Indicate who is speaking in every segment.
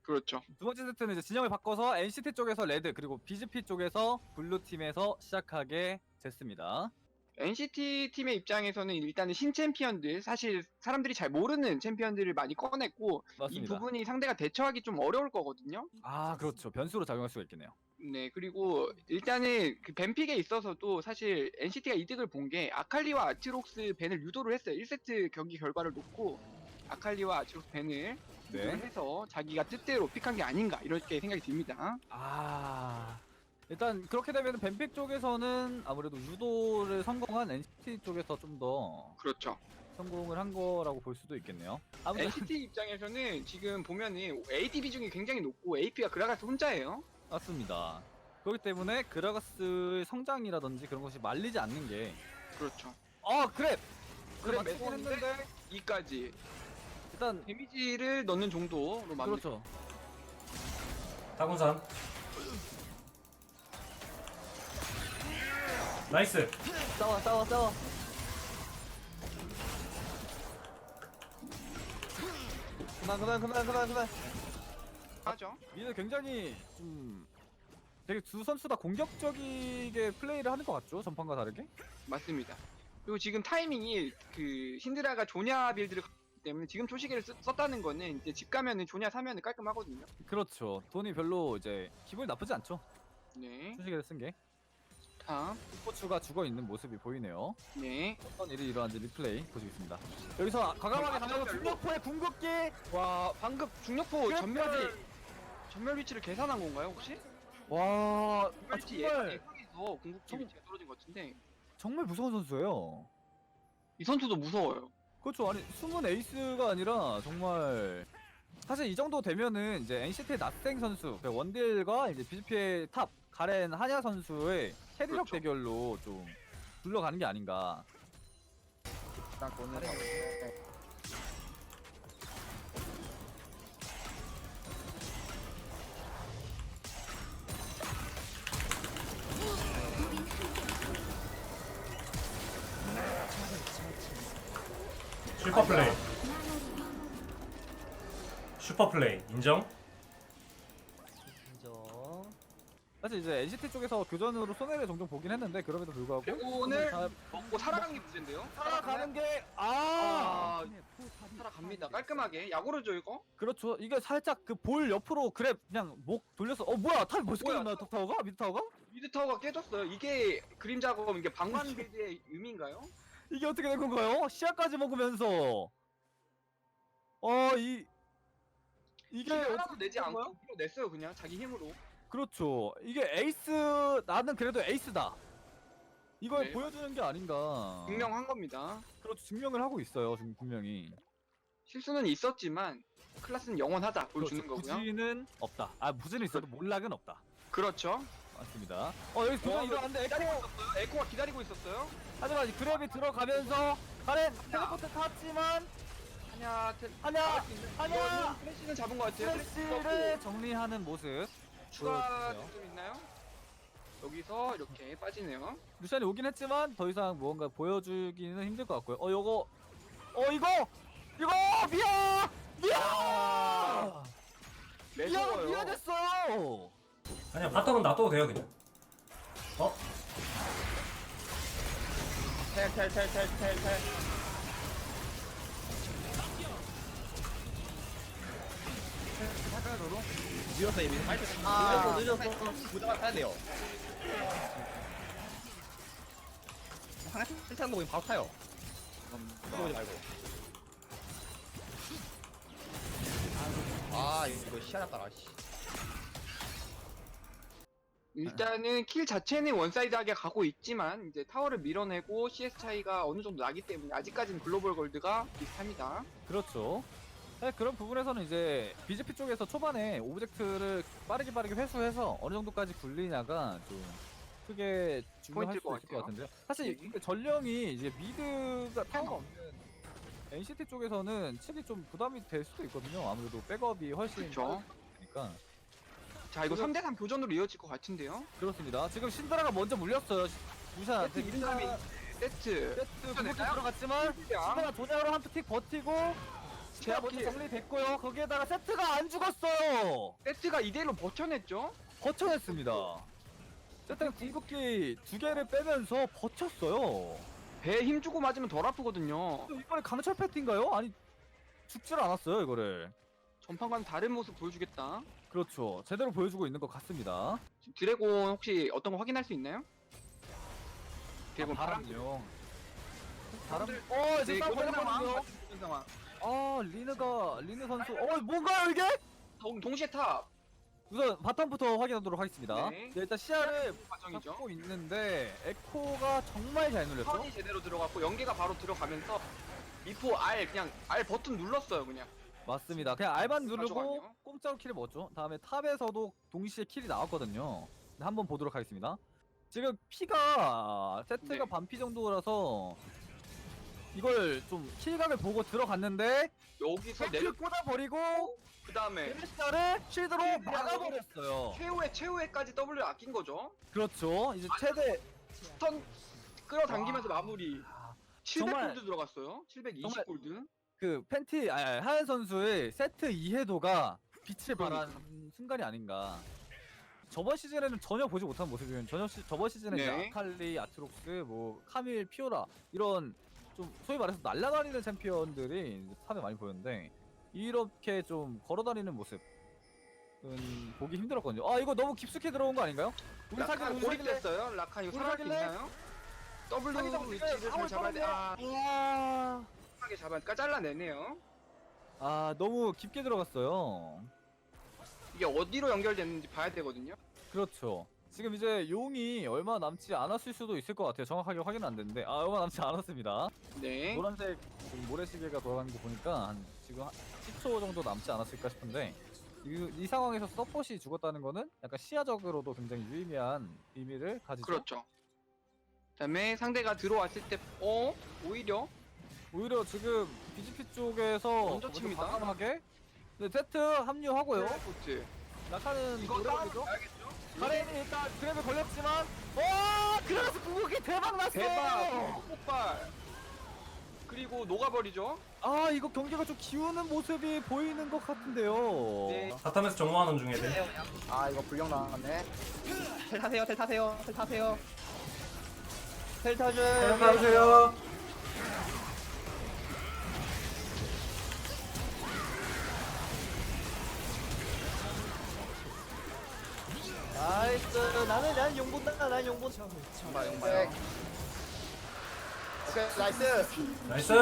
Speaker 1: 그렇죠.
Speaker 2: 두 번째 세트는 이제 진영을 바꿔서 NCT 쪽에서 레드 그리고 BGP 쪽에서 블루 팀에서 시작하게 됐습니다.
Speaker 1: NCT 팀의 입장에서는 일단은 신챔피언들, 사실 사람들이 잘 모르는 챔피언들을 많이 꺼냈고 이
Speaker 2: 맞습니다.
Speaker 1: 부분이 상대가 대처하기 좀 어려울 거거든요.
Speaker 2: 아 그렇죠. 변수로 작용할 수가 있겠네요.
Speaker 1: 네, 그리고 일단은 그 뱀픽에 있어서도 사실 NCT가 이득을 본 게 아칼리와 아트록스 밴을 유도를 했어요. 1세트 경기 결과를 놓고 아칼리와 아트록스 밴을 유도를
Speaker 2: 네.
Speaker 1: 해서 자기가 뜻대로 픽한 게 아닌가 이렇게 생각이 듭니다.
Speaker 2: 아 일단 그렇게 되면 뱀픽 쪽에서는 아무래도 유도를 성공한 NCT 쪽에서 좀 더
Speaker 1: 그렇죠.
Speaker 2: 성공을 한 거라고 볼 수도 있겠네요. 아무튼
Speaker 1: NCT 입장에서는 지금 보면은 AD 비중이 굉장히 높고 AP가 그라가스 혼자예요.
Speaker 2: 맞습니다. 그렇기 때문에 그라가스의 성장이라든지 그런 것이 말리지 않는 게
Speaker 1: 그렇죠.
Speaker 2: 그래
Speaker 1: 그래
Speaker 2: 맞긴
Speaker 1: 매서웠는데
Speaker 2: 했는데
Speaker 1: 2까지
Speaker 2: 일단
Speaker 1: 데미지를 넣는 정도로 만들.
Speaker 2: 그렇죠.
Speaker 3: 타군산. 나이스.
Speaker 2: 싸워 그만
Speaker 1: 하죠.
Speaker 2: 미드 굉장히 좀 되게 두 선수 다 공격적이게 플레이를 하는 것 같죠? 전판과 다르게?
Speaker 1: 맞습니다. 그리고 지금 타이밍이 그 신드라가 조냐 빌드를 갔기 때문에 지금 초시계를 썼다는 거는 이제 집 가면은 조냐 사면은 깔끔하거든요.
Speaker 2: 그렇죠. 돈이 별로 이제 기분이 나쁘지 않죠?
Speaker 1: 네.
Speaker 2: 수식을 쓴 게.
Speaker 1: 다음.
Speaker 2: 스포츠가 죽어있는 모습이 보이네요.
Speaker 1: 네.
Speaker 2: 어떤 일이 일어난지 리플레이 보시겠습니다. 여기서 과감하게 가면서 중력포의 궁극기!
Speaker 1: 와 방금 중력포
Speaker 2: 그래,
Speaker 1: 전멸 위치를 계산한 건가요 혹시?
Speaker 2: 와
Speaker 1: 전멸 위치
Speaker 2: 정말
Speaker 1: 예상해서 궁극기 위치가 떨어진 것 같은데
Speaker 2: 정말 무서운 선수예요.
Speaker 1: 이 선수도 무서워요.
Speaker 2: 그렇죠. 아니 숨은 에이스가 아니라 정말 사실 이 정도 되면은 이제 NCT의 낫생 선수 그 원딜과 이제 BGP의 탑 가렌 한야 선수의 캐리력
Speaker 1: 그렇죠.
Speaker 2: 대결로 좀 둘러가는 게 아닌가.
Speaker 4: 딱 오늘
Speaker 3: 슈퍼플레이. 슈퍼플레이 인정?
Speaker 4: 인정.
Speaker 2: 사실 이제 NCT 쪽에서 교전으로 손해를 종종 보긴 했는데 그럼에도 불구하고
Speaker 1: 오늘
Speaker 2: 잘
Speaker 1: 먹고 살아간 게 문제인데요.
Speaker 2: 살아가는 게
Speaker 1: 살아갑니다. 깔끔하게 야구르죠 이거?
Speaker 2: 그렇죠. 이게 살짝 그 볼 옆으로 그래 그냥 목 돌려서 뭐야 탑이 벌써
Speaker 1: 뭐야,
Speaker 2: 깨졌나요? 탑타워가? 미드 타워가?
Speaker 1: 미드 타워가 깨졌어요. 이게 그림 작업 이게 방관 빌드의 의미인가요?
Speaker 2: 이게 어떻게 된 건가요? 시야까지 먹으면서 이게
Speaker 1: 하나도
Speaker 2: 어떻게
Speaker 1: 내지
Speaker 2: 된
Speaker 1: 않고
Speaker 2: 거야?
Speaker 1: 밀어냈어요 그냥 자기 힘으로.
Speaker 2: 그렇죠. 이게 에이스 나는 그래도 에이스다. 이걸
Speaker 1: 네.
Speaker 2: 보여주는 게 아닌가.
Speaker 1: 증명한 겁니다.
Speaker 2: 그렇죠. 증명을 하고 있어요. 지금 분명히.
Speaker 1: 실수는 있었지만 클라스는 영원하다 보여주는
Speaker 2: 그렇죠.
Speaker 1: 거고요.
Speaker 2: 부진은 없다. 부진은 있어도 몰락은 없다.
Speaker 1: 그렇죠.
Speaker 2: 맞습니다. 여기 교전 일어났는데 에코.
Speaker 1: 에코가 기다리고 있었어요.
Speaker 2: 하지만 이 그랩이 들어가면서 가렌 텔레포트 탔지만
Speaker 1: 하냐
Speaker 2: 하냐
Speaker 1: 플래시는 잡은 것 같아요.
Speaker 2: 플래시를 정리하는 모습.
Speaker 1: 추가
Speaker 2: 보여주세요.
Speaker 1: 득점 있나요? 여기서 이렇게 빠지네요.
Speaker 2: 루시안이 오긴 했지만 더 이상 무언가 보여주기는 힘들 것 같고요. 이거
Speaker 1: 매서워요.
Speaker 2: 미안했어요.
Speaker 3: 아니야 바텀은 놔둬도 돼요 그냥.
Speaker 4: 텔. 밀었어 이미. 빨리. 늦었어. 부담을 타야 돼요. 하나 실탄 보고 바로 타요. 들어오지 말고. 이거 시야났다 씨.
Speaker 1: 일단은 킬 자체는 원사이드하게 가고 있지만 이제 타워를 밀어내고 CS 차이가 어느 정도 나기 때문에 아직까지는 글로벌 골드가 비슷합니다.
Speaker 2: 그렇죠. 네, 그런 부분에서는 이제 BGP 쪽에서 초반에 오브젝트를 빠르게 회수해서 어느 정도까지 굴리냐가 좀 크게 중요할
Speaker 1: 포인트일
Speaker 2: 수
Speaker 1: 것
Speaker 2: 있을 것
Speaker 1: 같아요.
Speaker 2: 같은데요. 사실 근데 전령이 이제 미드가 타워가 없는 NCT 쪽에서는 칠이 좀 부담이 될 수도 있거든요. 아무래도 백업이 훨씬
Speaker 1: 그쵸.
Speaker 2: 빠르니까.
Speaker 1: 자 이거
Speaker 2: 지금-
Speaker 1: 3대3 교전으로 이어질 것 같은데요.
Speaker 2: 그렇습니다. 지금 신드라가 먼저 물렸어요. 무샤한테
Speaker 1: 세트 이름감이 세트.
Speaker 2: 세트 궁극기 들어갔지만
Speaker 1: 양.
Speaker 2: 신드라 도장으로 한 틱 버티고 제가 먼저 정리됐고요. 거기에다가 세트가 안 죽었어요.
Speaker 1: 세트가 이대로 버텨냈죠.
Speaker 2: 버텨냈습니다. 세트가 궁극기 2개를 빼면서 버텼어요.
Speaker 1: 배에 힘 주고 맞으면 덜 아프거든요.
Speaker 2: 이번에 강철 패트인가요? 아니 죽질 않았어요 이거를.
Speaker 1: 전판과는 다른 모습 보여주겠다.
Speaker 2: 그렇죠. 제대로 보여주고 있는 것 같습니다.
Speaker 1: 지금 드래곤 혹시 어떤 거 확인할 수 있나요? 드래곤 바람.
Speaker 2: 바람요. 바람.
Speaker 1: 사람들-
Speaker 2: 이제
Speaker 1: 네,
Speaker 2: 싸움
Speaker 1: 교전 상황.
Speaker 2: 걸렸거든요.
Speaker 1: 교전 상황.
Speaker 2: 리느 선수. 뭔가요 이게?
Speaker 1: 동시에 탑.
Speaker 2: 우선 바텀부터 확인하도록 하겠습니다.
Speaker 1: 네.
Speaker 2: 일단 시야를
Speaker 1: 과정이죠.
Speaker 2: 잡고 있는데 에코가 정말 잘 눌렸죠?
Speaker 1: 턴이 제대로 들어갔고 연계가 바로 들어가면서 미포 R 그냥 R 버튼 눌렀어요 그냥.
Speaker 2: 맞습니다. 그냥 R만 누르고
Speaker 1: 가져가네요.
Speaker 2: 공짜로 킬을 먹었죠. 다음에 탑에서도 동시에 킬이 나왔거든요. 한번 보도록 하겠습니다. 지금 피가 세트가
Speaker 1: 네.
Speaker 2: 반피 정도라서 이걸 좀 킬각을 보고 들어갔는데
Speaker 1: 여기서
Speaker 2: 세트를
Speaker 1: 내려
Speaker 2: 꽂아버리고
Speaker 1: 그 다음에
Speaker 2: 베르시아를 쉴드로
Speaker 1: 킬을
Speaker 2: 막아버렸어요.
Speaker 1: 최후에까지 W를 아낀 거죠.
Speaker 2: 그렇죠. 이제 최대
Speaker 1: 스턴 끌어당기면서 마무리.
Speaker 2: 정말-
Speaker 1: 700골드 들어갔어요. 720골드.
Speaker 2: 그 하얀 선수의 세트 이해도가 빛을
Speaker 1: 그러니까.
Speaker 2: 발한 순간이 아닌가. 저번 시즌에는 전혀 보지 못한 모습이면 저번 시즌에 이제
Speaker 1: 네.
Speaker 2: 아칼리, 아트록스, 뭐 카밀, 피오라 이런 좀 소위 말해서 날아다니는 챔피언들이 이제 탑에 많이 보였는데 이렇게 좀 걸어다니는 모습은 보기 힘들었거든요. 이거 너무 깊숙이 들어온 거 아닌가요? 우리 사기
Speaker 1: 라칸 고립됐어요. 라칸 이거
Speaker 2: 우리
Speaker 1: 살아갈 수
Speaker 2: 사귈래?
Speaker 1: 있나요? W
Speaker 2: 사기장
Speaker 1: 위치를 잘 잡아야 돼.
Speaker 2: 와.
Speaker 1: 하게 잡아니까 잘라내네요.
Speaker 2: 너무 깊게 들어갔어요.
Speaker 1: 이게 어디로 연결됐는지 봐야 되거든요.
Speaker 2: 그렇죠. 지금 이제 용이 얼마 남지 않았을 수도 있을 것 같아요. 정확하게 확인은 안 됐는데 얼마 남지 않았습니다.
Speaker 1: 네.
Speaker 2: 노란색 모래시계가 돌아가는 거 보니까 지금 10초 정도 남지 않았을까 싶은데 이 상황에서 서폿이 죽었다는 거는 약간 시야적으로도 굉장히 유의미한 의미를 가지죠.
Speaker 1: 그렇죠. 그다음에 상대가 들어왔을 때 오히려
Speaker 2: 오히려 지금 BGP 쪽에서
Speaker 1: 먼저 칩니다.
Speaker 2: 과감하게 세트 합류하고요.
Speaker 1: 포트.
Speaker 2: 라카는
Speaker 1: 이거 싸움
Speaker 2: 노려보죠.
Speaker 1: 봐야겠죠?
Speaker 2: 가렌이 일단 그랩에 걸렸지만 그래서 궁극기 대박 났어요.
Speaker 1: 대박 폭발. 그리고 녹아버리죠.
Speaker 2: 이거 경기가 좀 기우는 모습이 보이는 것 같은데요.
Speaker 1: 네.
Speaker 3: 바텀에서 정모하는 중에 애들.
Speaker 4: 이거 불량 나왔네. 텔 타세요. 텔 타세요. 텔 타세요. 텔 타줘요.
Speaker 3: 안녕하세요.
Speaker 5: 나이스. 난 용본다. 난 용본.
Speaker 4: 정말 오케이 나이스.
Speaker 3: 나이스.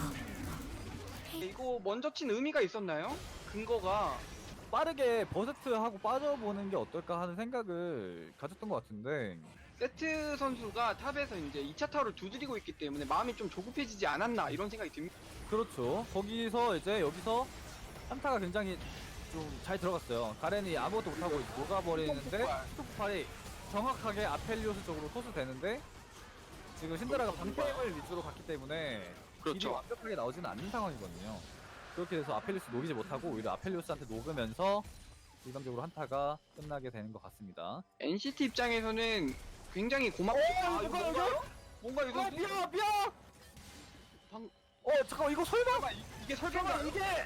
Speaker 1: 이거 먼저 친 의미가 있었나요? 근거가
Speaker 2: 빠르게 버스트하고 빠져보는 게 어떨까 하는 생각을 가졌던 것 같은데
Speaker 1: 세트 선수가 탑에서 이제 2차 타워를 두드리고 있기 때문에 마음이 좀 조급해지지 않았나 이런 생각이 듭니다.
Speaker 2: 그렇죠. 거기서 이제 여기서 한타가 굉장히 좀 잘 들어갔어요. 가렌이 아무것도 못하고 녹아버리는데 스톱팔이 정확하게 아펠리오스 쪽으로 토스되는데 지금 신드라가 방템을 위주로 갔기 때문에 딜이
Speaker 1: 그렇죠.
Speaker 2: 완벽하게 나오지는 않는 상황이거든요. 그렇게 돼서 아펠리오스 녹이지 못하고 오히려 아펠리오스한테 녹으면서 일방적으로 한타가 끝나게 되는 것 같습니다.
Speaker 1: NCT 입장에서는 굉장히 고맙고 뭔가 이거
Speaker 2: 미야!
Speaker 1: 방-
Speaker 2: 잠깐만 이거 설마
Speaker 1: 이게 설계가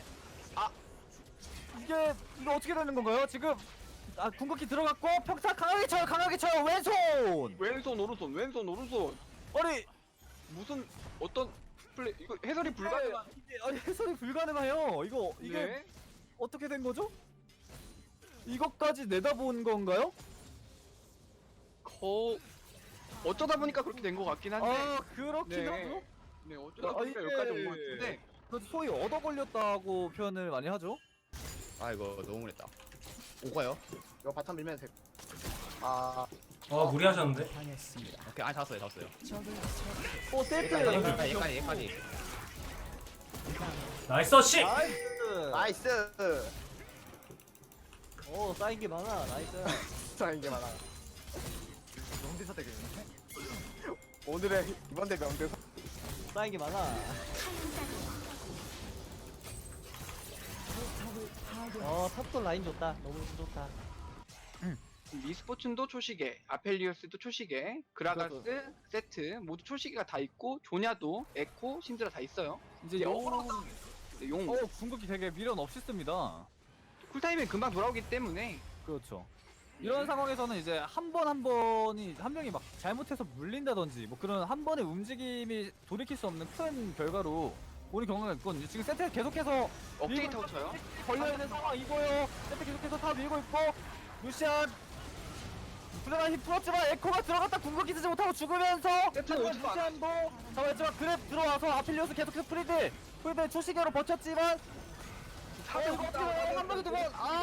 Speaker 2: 이거 어떻게 되는 건가요? 지금 궁극기 들어갔고 평타 강하게 쳐요 왼손!
Speaker 1: 왼손 오른손 왼손 오른손
Speaker 2: 아니
Speaker 1: 무슨 어떤 플레이 이거 해설이 불가능한
Speaker 2: 해설이 불가능해요. 이게
Speaker 1: 네.
Speaker 2: 어떻게 된 거죠? 이것까지 내다본 건가요?
Speaker 1: 어쩌다 보니까 그렇게 된 것 같긴 한데
Speaker 2: 그렇긴
Speaker 1: 네.
Speaker 2: 하죠.
Speaker 1: 네 어쩌다
Speaker 2: 아,
Speaker 1: 보니까
Speaker 2: 이게-
Speaker 1: 여기까지 온 것 같은데
Speaker 2: 그 소위 얻어 걸렸다고 표현을 많이 하죠.
Speaker 4: 이거 너무 무리했다. 오가요? 이거 바텀 밀면 돼.
Speaker 3: 무리하셨는데.
Speaker 4: 오케이. 잡았어요.
Speaker 5: 세트.
Speaker 4: 얘까지.
Speaker 3: 나이스 씨.
Speaker 2: 나이스.
Speaker 4: 나이스.
Speaker 5: 쌓인 게 많아. 나이스.
Speaker 4: 쌓인 게 많아. 명대사 되겠네. 오늘의 이번 대 명대사.
Speaker 5: 쌓인 게 많아. 탑도 라인 좋다. 너무 좋다.
Speaker 1: 미스포츠도 초시계 아펠리오스도 초시계 그라가스 세트 모두 초시계가 다 있고 조냐도 에코 신드라 다 있어요.
Speaker 2: 이제
Speaker 1: 이제
Speaker 2: 용
Speaker 1: 네, 용
Speaker 2: 궁극기 되게 미련 없이 씁니다.
Speaker 1: 쿨타임이 금방 돌아오기 때문에
Speaker 2: 그렇죠. 이런 상황에서는 이제 한 번이 한 명이 막 잘못해서 물린다든지 뭐 그런 한 번의 움직임이 돌이킬 수 없는 큰 결과로 오는 경우가 있거든요. 지금 세트 계속해서
Speaker 1: 업데이트 쳐요.
Speaker 2: 걸려있는 상황이고요. 세트 계속해서 다 밀고 있고 루시안 불안한 힘 풀었지만 에코가 들어갔다 궁극기 쓰지 못하고 죽으면서
Speaker 1: 세트는 오지도
Speaker 2: 루시안도 잡았지만 그랩 들어와서 아필리오스 계속해서 프리드 초시계로 버텼지만 한 방에 두번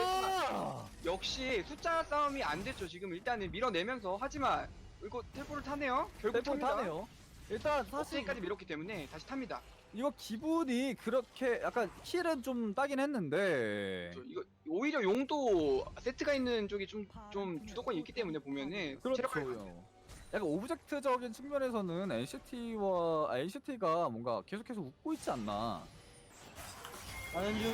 Speaker 1: 역시 숫자 싸움이 안 됐죠. 지금 일단은 밀어내면서 하지만 이거 텔포를 타네요. 결국
Speaker 2: 대본
Speaker 1: 탑니다.
Speaker 2: 타네요. 일단 사실
Speaker 1: 사실까지 밀었기 때문에 다시 탑니다.
Speaker 2: 이거 기분이 그렇게 약간 킬은 좀 따긴 했는데
Speaker 1: 이거 오히려 용도 세트가 있는 쪽이 좀 주도권이 있기 때문에 보면은 체력 관리
Speaker 2: 그렇죠. 약간 오브젝트적인 측면에서는 NCT가 뭔가 계속해서 웃고 있지 않나.
Speaker 5: 나는 중.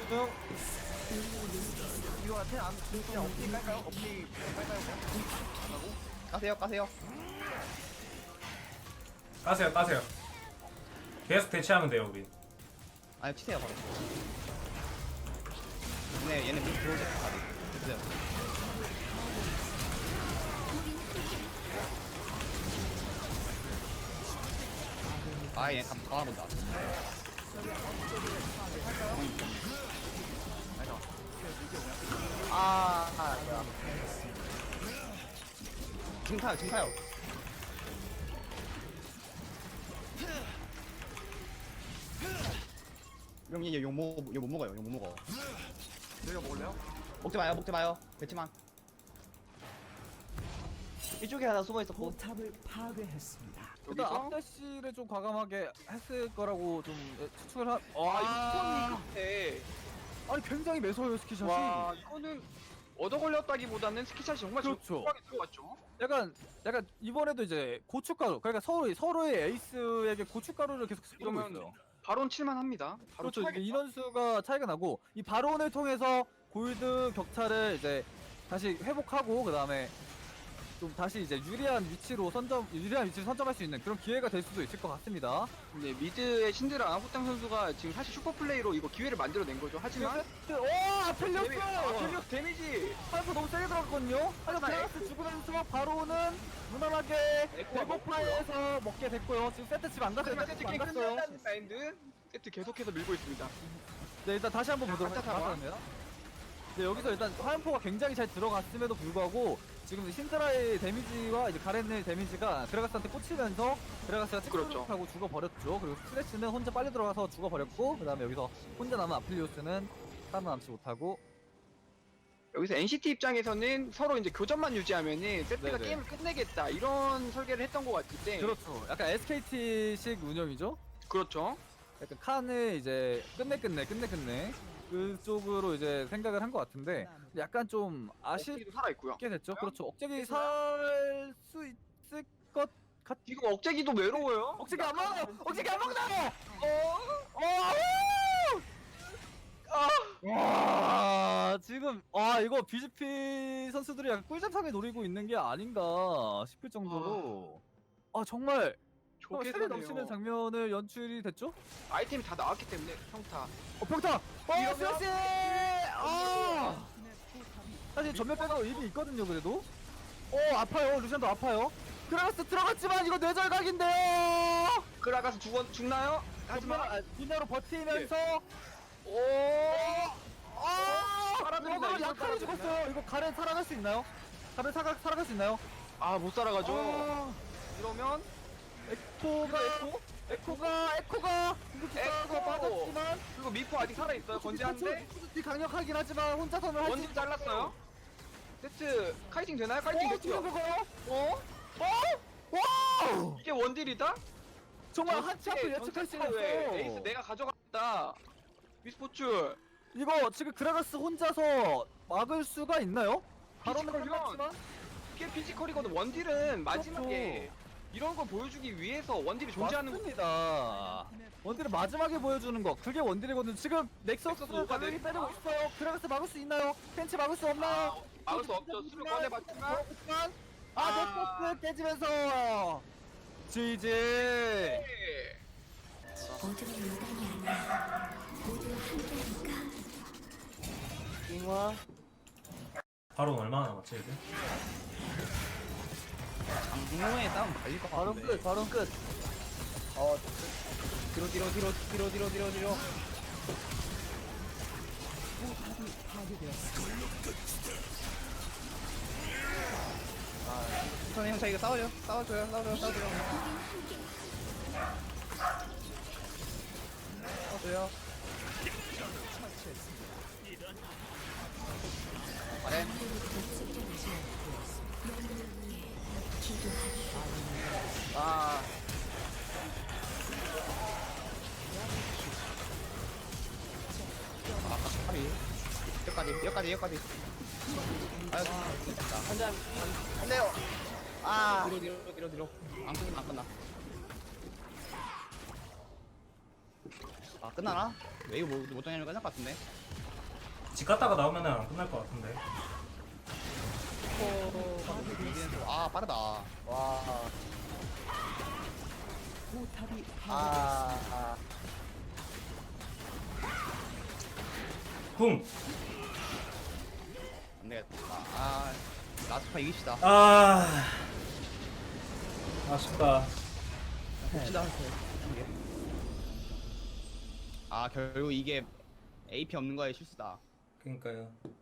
Speaker 1: 이거 텔안 그냥 업데이 깔까요? 업데이 깔까요?
Speaker 4: 까세요 까세요.
Speaker 3: 까세요. 계속 대치하면 돼요 우리.
Speaker 4: 아니 치세요 바로. 얘네 문 들어오죠. 됐어요. 얘 다 본다. 야. 지금 타요. 그럼 얘못 먹어요.
Speaker 1: 저희가 먹을래요?
Speaker 4: 먹지 마요. 그렇지만
Speaker 5: 이쪽에 하나 숨어 있었고.
Speaker 2: 일단
Speaker 1: 여기서
Speaker 2: 앞대시를 좀 과감하게 했을 거라고 좀 추측을 한.
Speaker 1: 아 이거 끝에
Speaker 2: 아니 굉장히 매서워요 스키샷이.
Speaker 1: 와 이거는 얻어 걸렸다기보다는 스키샷이 정말
Speaker 2: 그렇죠.
Speaker 1: 정확하게 들어갔죠.
Speaker 2: 약간 이번에도 이제 고춧가루 그러니까 서로의 에이스에게 고춧가루를 계속 뿌리고
Speaker 1: 이러면
Speaker 2: 있어요.
Speaker 1: 바론 칠만합니다. 바로
Speaker 2: 그렇죠. 이게 인원수가 차이가 나고 이 바론을 통해서 골드 격차를 이제 다시 회복하고 그 다음에 좀 다시 이제 유리한 위치로 선점할 수 있는 그런 기회가 될 수도 있을 것 같습니다.
Speaker 1: 네, 미드의 신드라 후땅 선수가 지금 사실 슈퍼 플레이로 이거 기회를 만들어낸 거죠. 하지만
Speaker 2: 아펠리오스!
Speaker 1: 아펠리오스 데미지
Speaker 2: 한수 너무 세게 들어갔거든요. 하지만 드라가스 죽으면서 바로는 무난하게
Speaker 1: 에코가
Speaker 2: 배고파에서 먹게 됐고요. 지금 세트 집 안 갔어요.
Speaker 1: 하지만
Speaker 2: 세트
Speaker 1: 세트
Speaker 2: 집 안
Speaker 1: 게임
Speaker 2: 갔어요.
Speaker 1: 끝난다는 마인드 세트 계속해서 밀고 있습니다.
Speaker 2: 네, 일단 다시 한번 보도록
Speaker 1: 각자 잡아.
Speaker 2: 하겠습니다. 네, 여기서 일단 화염포가 굉장히 잘 들어갔음에도 불구하고 지금 신드라의 데미지와 이제 가렌의 데미지가 드라가스한테 꽂히면서 드라가스가
Speaker 1: 그렇죠.
Speaker 2: 찍찍하고 죽어버렸죠. 그리고 스트레스는 혼자 빨리 들어가서 죽어버렸고 그 다음에 여기서 혼자 남은 아필리오스는 살아남지 못하고
Speaker 1: 여기서 NCT 입장에서는 서로 이제 교전만 유지하면은 세트가
Speaker 2: 네네.
Speaker 1: 게임을 끝내겠다 이런 설계를 했던 것 같은데
Speaker 2: 그렇죠. 약간 SKT식 운영이죠.
Speaker 1: 그렇죠.
Speaker 2: 약간 칸을 이제 끝내 그쪽으로 이제 생각을 한 것 같은데 약간 좀 아쉽게
Speaker 1: 억제기도 살아있고요.
Speaker 2: 됐죠. 그렇죠. 억제기 살 수 있을 것 같.
Speaker 1: 지금 억제기도 외로워요.
Speaker 2: 억제기 안 먹어. 억제기 안 먹는다고. 와 지금 이거 BGP 선수들이 약간 꿀잠상에 노리고 있는 게 아닌가 싶을 정도로 정말
Speaker 1: 좋게
Speaker 2: 세례 넘치는 장면을 연출이 됐죠?
Speaker 1: 아이템이 다 나왔기 때문에 평타.
Speaker 2: 평타!
Speaker 1: 이러면-
Speaker 2: 스매시! 사실 전면 빼고 입이 있거든요 그래도 아파요. 루시안도 아파요. 그라가스 들어갔지만 이거 뇌절각인데요.
Speaker 1: 그라가서 죽나요? 하지만
Speaker 2: 뒷으로 버티면서
Speaker 1: 살아들인다,
Speaker 2: 이거
Speaker 1: 이거
Speaker 2: 약하게
Speaker 1: 살아들인다.
Speaker 2: 죽었어요. 이거 가렌 살아갈 수 있나요? 가렌 살아갈 수 있나요?
Speaker 1: 못 살아가죠. 이러면
Speaker 2: 에코가 궁극기 따라서
Speaker 1: 에코!
Speaker 2: 빠졌지만
Speaker 1: 그리고 미포 아직 살아있어요. 건재한데
Speaker 2: 이 강력하긴 하지만 혼자서는 할수
Speaker 1: 원딜 잘랐어요. 세트 카이팅 되나요? 카이팅 됐죠. 이게 원딜이다?
Speaker 2: 정말 한치 앞을 예측할 수가
Speaker 1: 왜
Speaker 2: 없어.
Speaker 1: 에이스 내가 가져갔다. 미스포츠
Speaker 2: 이거 지금 그라가스 혼자서 막을 수가 있나요? 바로는
Speaker 1: 피지컬이요.
Speaker 2: 끝났지만
Speaker 1: 이게 피지컬이거든. 원딜은 마지막에 이런 걸 보여주기 위해서 원딜이 존재하는 거.
Speaker 2: 맞습니다. 원딜을 마지막에 보여주는 거 그게 원딜이거든. 지금 넥서스
Speaker 1: 넥서스 오가
Speaker 2: 가격이
Speaker 1: 넥-
Speaker 2: 빼내고 있어요. 그라가스 막을 수 있나요? 펜치 막을 수 없나요?
Speaker 1: 막을 수 없죠. 수를 꺼내봤지만
Speaker 2: 넥서스 깨지면서 GG.
Speaker 5: 잉화.
Speaker 3: 바로 얼마나 남았지 이제?
Speaker 4: 장모의 싸움 달릴 것
Speaker 5: 바로
Speaker 4: 같은데.
Speaker 5: 끝, 바로 끝.
Speaker 4: 뒤로. 우선 형 저희가 싸워줘요. 싸워줘요. 아래.
Speaker 5: 아,
Speaker 4: 여기까지. 아유, 됐다.
Speaker 5: 한잔, 안 돼요. 아,
Speaker 4: 뒤로. 안 끝나. 아, 끝나나? 웨이브 못 정하면 끝날 것 같은데?
Speaker 3: 집 갔다가 나오면은 안 끝날 것 같은데.
Speaker 4: 아, 빠르다.
Speaker 5: 와. 아,
Speaker 3: 궁.
Speaker 4: 안 되겠다. 아, 라스파 이깁시다.
Speaker 3: 아 아쉽다.
Speaker 4: 봅시다. 아, 결국 이게 AP 없는 거의 실수다.
Speaker 3: 그러니까요.